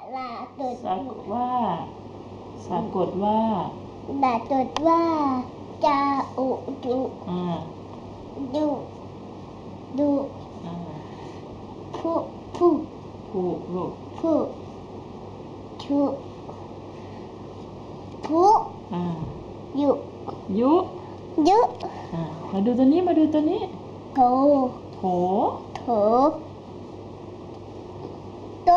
ลาตดสะกดว่าสะกดว่าดาตดว่าจาอุดุดุดุผู้ผูลูกผู้ชุผู้ยุยุมาดูตัวนี้โถโถโต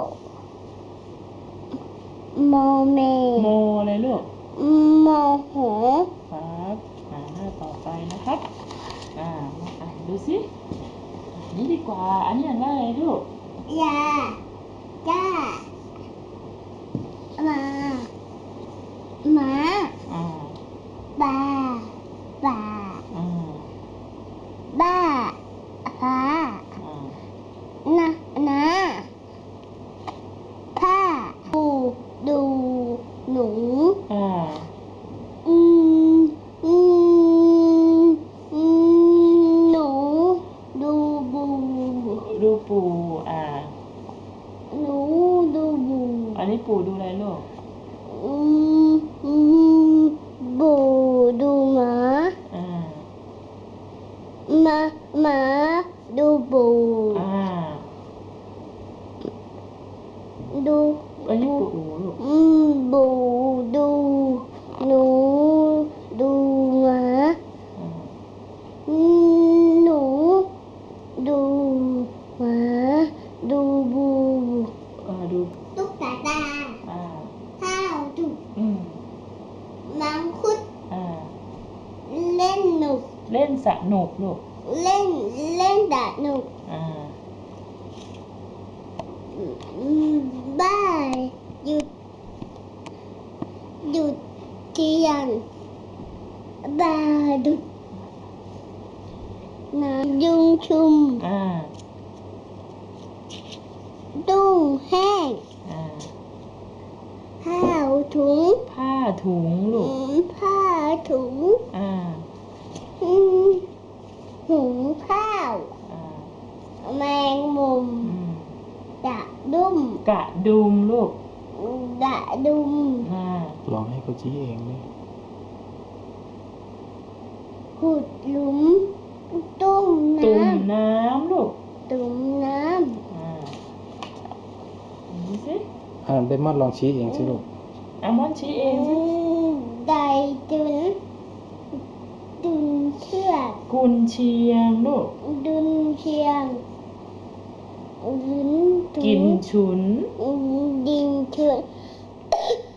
โมเมโมอะไรลูกโมโหครับหน้าต่อไปนะครับมาอ่านดูสินี่ดีกว่าอันนี้อ่านว่าอะไรลูกยาจ้ามาบาบ้าฟ้านะผ้าดูหนูหนูดูปูหนูดูบูอันนี้ปูดูอะไรลูกบูดูหมาดูบูดูอันนี้ปูลูกบูดูหนูดูหมาหนูดูหมาดูบูดูตุ๊กตาข้าวจุกมังคุดเล่นสนุกลูกเล่นสนุกบ้านหยุดเที่ยงบาดุน้ำยุงชุมตุ้งแห้งผ้าถุงลูกผ้าถุงหุงข้าวแมงมุมกระดุมลูกลองให้เขาชี้เองเลยขุดหลุมตุ้มน้ำลูกตุ้มน้ำนี่สิเดมอนลองชี้เองสิลูกมอนชี้เองสิได้ดุนเชือกกุนเชียงลูกดุนเชียงกินฉุนดินฉุน